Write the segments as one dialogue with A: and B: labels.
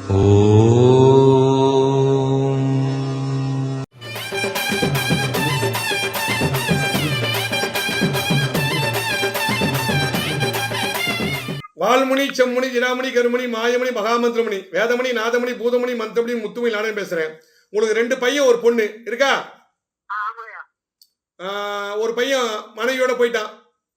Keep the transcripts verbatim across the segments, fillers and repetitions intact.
A: வால்முனி செம்முனி ஜினாமணி கருமணி மாயமணி மகாமந்திரமணி வேதமணி நாதமணி பூதமணி மந்திரமணி முத்துமணி நானும் பேசுறேன். உங்களுக்கு ரெண்டு பையன் ஒரு பொண்ணு இருக்கா? ஒரு பையன் மனைவியோட போயிட்டான்,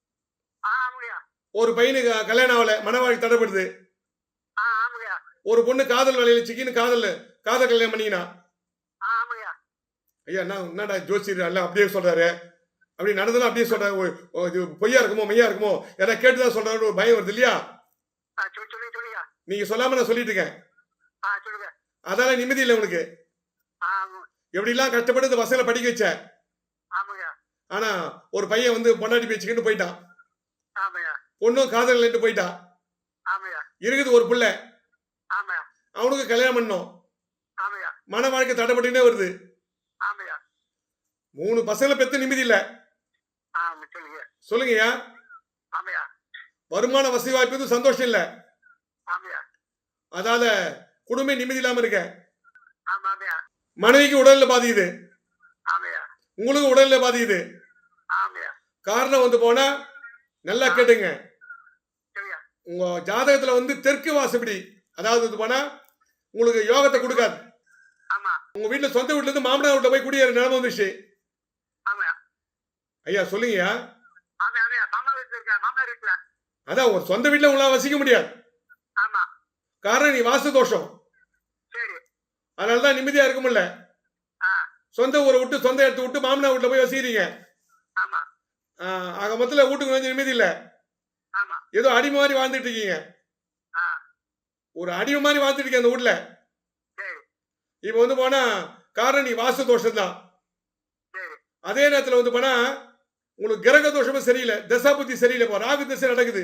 A: ஒரு பையனுக்கு கல்யாணம் ஆகல, மனவாழ்க்கை தடைப்படுது. ஒரு பொண்ணு காதல் வேலையில சிக்கின்னு காதல் காதல் கல்யாணம் பண்ணிக்கினா. ஐயா என்ன என்னடா ஜோசியர் எல்லாம் அப்படியே சொல்றாரு, அப்படி நடந்ததும் அப்படியே சொல்றாரு, பொய்யா இருக்குமோ மையா இருக்குமோ ஏதாவது கேட்டுதான் சொல்றாரு, ஒரு பயம் வருது இல்லையா? நீங்க சொல்லாம நான் சொல்லிட்டு இருக்கேன். அதால நிம்மதி இல்லை உனக்கு. எப்படி எல்லாம் கஷ்டப்பட்டு இந்த பசங்களை படிக்க வச்ச, ஆனா ஒரு பையன் வந்து பொண்டாட்டி பேச்சுக்கிட்டு போயிட்டான், பொண்ணும் காதல் போயிட்டான், இருக்குது ஒரு பிள்ளை, அவனுக்கு கல்யாணம் பண்ணோம், மன வாழ்க்கை தடைப்பட்டுனே வருது. மூணு பசங்களை பெத்து நிம்மதி இல்ல. சொல்லுங்கய்யா. வருமான வசதி வாய்ப்பு சந்தோஷம் இல்ல, அதால குடும்பம் நிம்மதி இல்லாம இருக்க. மனைவிக்கு உடல்ல பாதிக்குது, உங்களுக்கு உடல்ல பாதிக்குது. காரணம் வந்து போனா நல்லா கேட்டுங்க, உங்க ஜாதகத்துல வந்து தெற்கு வாசப்படி, அதாவது போனா உங்களுக்கு யோகத்தை கொடுக்காது. உங்க வீட்டுல சொந்த வீட்டுல இருந்து மாமனார் வீட்டுல போய் குடியேற நிலைமை வந்துச்சு. ஐயா சொல்லுங்கய்யா. அதான் உங்க சொந்த வீட்டுல உங்களால வசிக்க முடியாது, காரணம் நீ வாசு தோஷம். அதனாலதான் நிம்மதியா இருக்க முடியல. சொந்த ஊரை விட்டு சொந்த இடத்தை விட்டு மாமனார் வீட்டுல போய் வசிக்கிறீங்க. ஆக மொத்தத்துல வீட்டுக்கு கொஞ்சம் நிம்மதி இல்ல, ஏதோ அடிமை மாதிரி வாழ்ந்துட்டு இருக்கீங்க. ஒரு அடிமை மாதிரி வாழ்ந்துட்டு இருக்கீங்க அந்த வீட்டுல. இப்ப வந்து போனா காரணம் நீ வாசு தோஷம் தான். அதே நேரத்துல வந்து போனா உங்களுக்கு கிரக தோஷமும் சரியில்லை, தசா புத்தி சரியில்லை, ராகு திசை நடக்குது.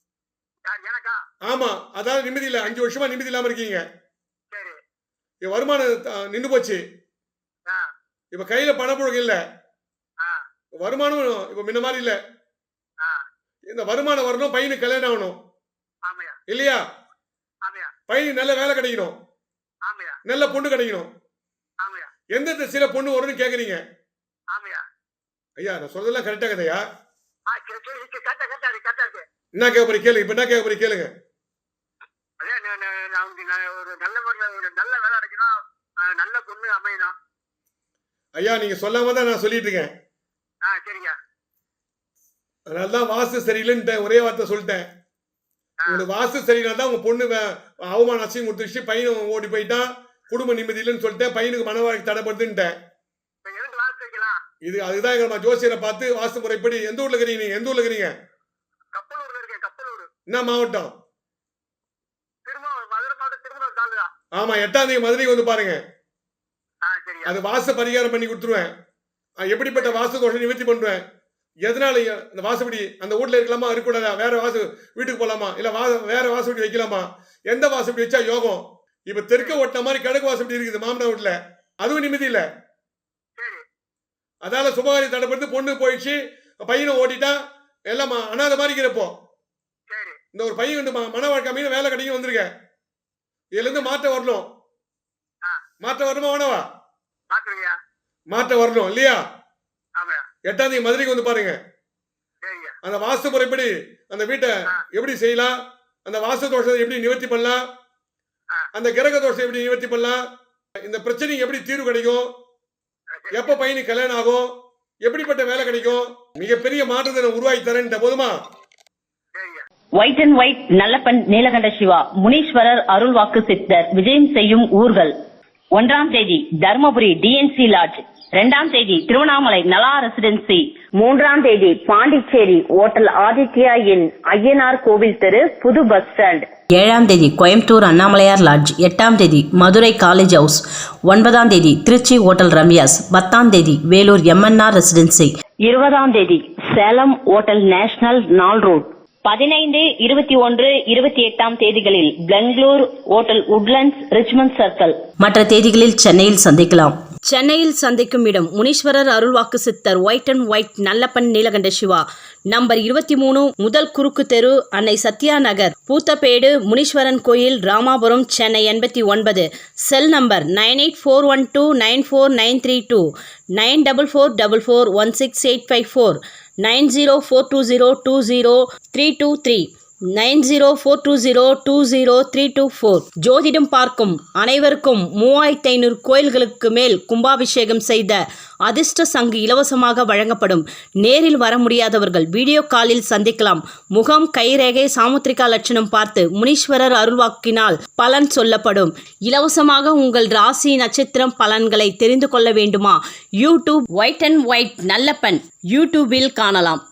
A: ஆமா, அதாவது நிம்மதி இல்ல, அஞ்சு வருஷமா நிம்மதி இல்லாம இருக்கீங்க. வருமானம் நின்று போச்சு, இப்ப கையில பணப்புழக்கம் இல்ல, வருமானம் இப்ப முன்ன மாதிரி இல்ல. இந்த வருமானம் வரணும், பையனுக்கு கல்யாணம் ஆகணும் இல்லையா? பையனுக்கு நல்ல வேலை கிடைக்கணும், நல்ல பொண்ணு கிடைக்கணும். எந்த திசையில பொண்ணு வரும்னு கேக்குறீங்க? ஐயா நான் சொல்றதெல்லாம் கரெக்டா கதையா? என்ன கேட்க போறீங்க கேளுங்க. இப்ப என்ன கேட்க போறீங்க கேளுங்க. ஐயா நீங்க சொல்லாம தான் நான் சொல்லிட்டு இருக்கேன். அதனாலதான் வாஸ்து சரியில்லைன்னு ஒரே வார்த்தை சொல்லிட்டேன். உங்களுக்கு வாஸ்து சரியில்லை தான் உங்க பொண்ணு அவமான அசியம் கொடுத்துச்சு, பையன் ஓடி போயிட்டான், குடும்ப நிம்மதி இல்லைன்னு சொல்லிட்டேன், பையனுக்கு மன வாழ்க்கை தடைப்படுதுன்ட்டேன். இது அதுதான் எங்க ஜோசியரை பார்த்து வாஸ்து முறைப்படி. எந்த ஊர்ல இருக்கிறீங்க நீங்க? எந்த ஊர்ல இருக்கிறீங்க? என்ன மாவட்டம்? ஆமா, எட்டாம் தேதி மதுரைக்கு வந்து பாருங்க, அது வாஸ்து பரிகாரம் பண்ணி கொடுத்துருவேன். எப்படிப்பட்ட வாஸ்து தோஷம் நிவர்த்தி பண்ணுவேன், எதனால இந்த வாசப்படி அந்த வீட்டுல இருக்கலாமா இருக்கக்கூடாதா, வேற வாசு வீட்டுக்கு போலாமா, இல்ல வா வேற வாசப்படி வைக்கலாமா, எந்த வாசப்படி வச்சா யோகம். இப்ப தெற்க ஓட்ட மாதிரி கிழக்கு வாசப்படி இருக்குது மாமனார் வீட்டுல, அதுவும் நிம்மதி இல்ல. அதால சுபகாரி தடைப்படுத்து, பொண்ணு போயிடுச்சு, பையனும் ஓடிட்டா, எல்லாம் அனாத மாதிரி இருக்கிறப்போ இந்த ஒரு பையன் வந்து மன வாழ்க்கை மீன் வேலை கிடைக்கும் வந்திருக்க. இதுல இருந்து மாற்றம் வரணும். மாற்றம் வரணுமா வேணவா? மாற்றம் வரணும் இல்லையா? எட்டாம் தேதி மதுரைக்கு வந்து பாருங்க, அந்த வாஸ்து முறைப்படி அந்த வீட்டை எப்படி செய்யலாம், அந்த வாஸ்து தோஷத்தை எப்படி நிவர்த்தி பண்ணலாம், அந்த கிரக தோஷத்தை எப்படி நிவர்த்தி பண்ணலாம், இந்த பிரச்சனைக்கு எப்படி தீர்வு கிடைக்கும், எப்ப பையனுக்கு கல்யாணம் ஆகும், எப்படிப்பட்ட வேலை கிடைக்கும், மிகப்பெரிய மாற்றத்தை உருவாக்கி தரேன். போதுமா?
B: White and white Nallappan Neelakanta Siva Muneeswarar அருள்வாக்கு சித்தர் விஜயம் செய்யும் ஊர்கள். ஒன்றாம் தேதி தர்மபுரி டிஎன்சி லாட்ஜ், இரண்டாம் தேதி திருவண்ணாமலை நலா ரெசிடென்சி, மூன்றாம் தேதி பாண்டிச்சேரி ஓட்டல் ஆதித்யா இன் ஐயனார் கோவில் தெரு புது பஸ் ஸ்டாண்ட்,
C: ஏழாம் தேதி கோயம்புத்தூர் அண்ணாமலையார் லாட்ஜ், எட்டாம் தேதி மதுரை காலேஜ் ஹவுஸ், ஒன்பதாம் தேதி திருச்சி ஓட்டல் ரம்யாஸ், பத்தாம் தேதி வேலூர் எம்என்ஆர் ரெசிடென்சி,
B: இருபதாம் தேதி Salem hotel national Nal road, பதினைந்து இருபத்தி ஒன்று இருபத்தி எட்டாம் தேதிகளில் Bangalore hotel Woodlands Richmond circle.
C: மற்ற தேதிகளில் சென்னையில் சந்திக்கலாம். சென்னையில் சந்திக்கும் இடம் முனீஸ்வரர் அருள்வாக்கு சித்தர் white and white Nallappan Neelakanta Siva. Number இருபத்தி மூணு முதல் குறுக்கு தெரு, அன்னை சத்யா நகர், பூத்தப்பேடு, முனீஸ்வரன் கோயில், ராமாபுரம், சென்னை எண்பத்தி ஒன்பது. Cell number nine eight four one two nine four nine three two, nine double four double four one six eight five four, nine zero four two zero two zero three two three, nine zero four two zero two zero three two four. ஜோதிடம் பார்க்கும் அனைவருக்கும் மூவாயிரத்தி ஐநூறு கோயில்களுக்கு மேல் கும்பாபிஷேகம் செய்த அதிர்ஷ்ட சங்கு இலவசமாக வழங்கப்படும். நேரில் வர முடியாதவர்கள் வீடியோ காலில் சந்திக்கலாம். முகம், கைரேகை, சாமுத்திரிகா லட்சணம் பார்த்து முனீஸ்வரர் அருள்வாக்கினால் பலன் சொல்லப்படும். இலவசமாக உங்கள் ராசி நட்சத்திரம் பலன்களை தெரிந்து கொள்ள வேண்டுமா? YouTube white and white Nallappan யூடியூபில் காணலாம்.